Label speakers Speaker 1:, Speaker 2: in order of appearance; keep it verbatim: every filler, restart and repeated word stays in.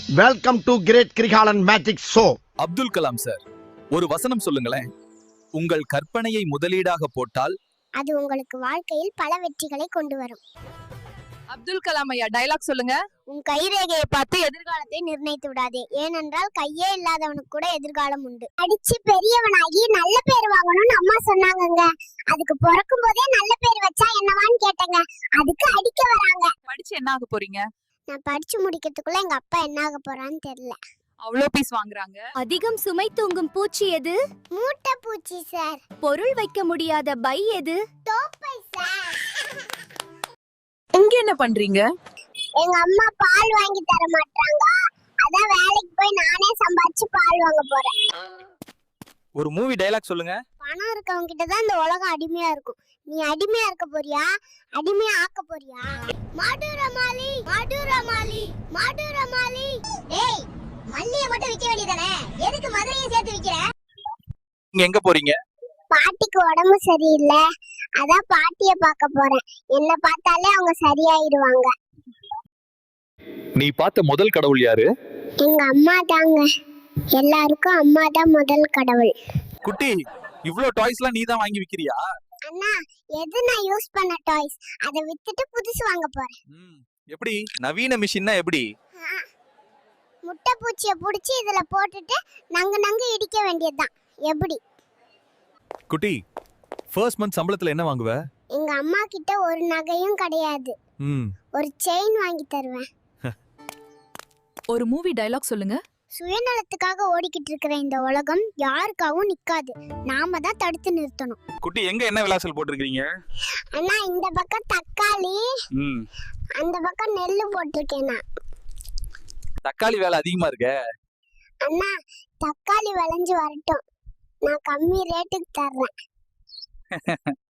Speaker 1: Welcome to great Kirikalan magic show.
Speaker 2: Abdul Kalam sir, ஒரு வசனம் சொல்லுங்களேன். உங்கள் கற்பனையை முதலீடாக போட்டால்
Speaker 3: அது உங்களுக்கு வாழ்க்கையில் பல வெற்றிகளை கொண்டு வரும்.
Speaker 4: அப்துல் கலாம் ஐயா டயலாக் சொல்லுங்க.
Speaker 3: உன் கைரேகையை பார்த்து எதிர்காலத்தை நிர்ணயித்து விடாதே, ஏனென்றால் கையே இல்லாதவனுக்கு கூட எதிர்காலம் உண்டு. அடிச்சு பெரியவனாகி நல்ல பேர் வாங்கணும்னு அம்மா சொன்னாங்கங்க. அதுக்கு பிறக்கும் போதே நல்ல பேர் வச்சா என்னவான்னு கேட்டேங்க. அதுக்கு அடிக்க வராங்க.
Speaker 4: படிச்சு என்ன ஆக போறீங்க?
Speaker 3: நான் படிச்சு முடிக்கிறதுக்குள்ள எங்க அப்பா என்ன ஆக போறான்னு தெரியல.
Speaker 4: அவ்வளோ பீஸ் வாங்குறாங்க.
Speaker 5: அதிகம் சுமை தூங்கும் பூச்சி எது?
Speaker 3: மூட்டை பூச்சி சார்.
Speaker 5: பொருள் வைக்க முடியாத பை எது?
Speaker 3: தோப்பை சார்.
Speaker 4: இங்க என்ன பண்றீங்க?
Speaker 3: எங்க அம்மா பால் வாங்கி தர மாட்டாங்க, அதான் வேலைக்கு போய் நானே சம்பாதிச்சு பால் வாங்க போறேன்.
Speaker 2: ஒரு மூவி டயலாக் சொல்லுங்க.
Speaker 3: பணம் இருக்கவங்க கிட்ட தான் இந்த உலகம் அடிமையா இருக்கும். நீ அடிமையா இருக்க போறியா, அடிமையா ஆக்க போறியா? மாடுரமாலி மாடுரமாலி மாடுரமாலி. டேய், மல்லிய மட்டும் விக்க வேண்டியதானே, எதுக்கு மதுரையை சேர்த்து விக்கிற?
Speaker 2: நீங்க எங்க போறீங்க?
Speaker 3: பாட்டிக்கு உடம்பு சரியில்லை, அதான் பாட்டிய பார்க்க போறேன். என்ன பார்த்தாலே அவங்க சரியாயிடுவாங்க.
Speaker 2: நீ பார்த்த முதல் கடவுள் யாரு?
Speaker 3: எங்க அம்மா தாங்க. எல்லாருக்கும் அம்மா தான் முதல் கடவுள்.
Speaker 2: குட்டி, இவ்ளோ டாய்ஸ்லாம் நீ தான் வாங்கி விக்கிறியா?
Speaker 3: அண்ணா, எது நான் யூஸ் பண்ண டாய்ஸ், அதை வித்துட்டு புதுசு வாங்க போறேன்.
Speaker 2: எப்படி நவீன மிஷின்னா எப்படி?
Speaker 3: முட்டை பூச்சிய புடிச்சு இதுல போட்டுட்டு நங்கு நங்கு இடிக்க வேண்டியதுதான். எப்படி?
Speaker 2: குட்டி, ஃபர்ஸ்ட் மந்த் சம்பளத்துல என்ன வாங்குவ?
Speaker 3: எங்க அம்மா கிட்ட ஒரு நகையும் கிடையாது, ஒரு செயின் வாங்கி தருவேன்.
Speaker 4: ஒரு மூவி டயலாக் சொல்லுங்க.
Speaker 3: சுயநலத்துக்காக ஓடிக்கிட்டு இருக்கிற இந்த உலகம் யாருக்காகவும் நிக்காது, நாம தான் தடுத்து நிறுத்தணும்.
Speaker 2: குட்டி, எங்க என்ன விலாசல் போட்டிருக்கீங்க?
Speaker 3: அண்ணா, இந்த பக்கம் தக்காளி, அந்த பக்கம் நெல்லு போட்டிருக்கேன். நான்
Speaker 2: தக்காளி வேலை அதிகமா இருக்க.
Speaker 3: அண்ணா, தக்காளி விளைஞ்சு வரட்டும், நான் கம்மி ரேட்டுக்கு தர்றேன்.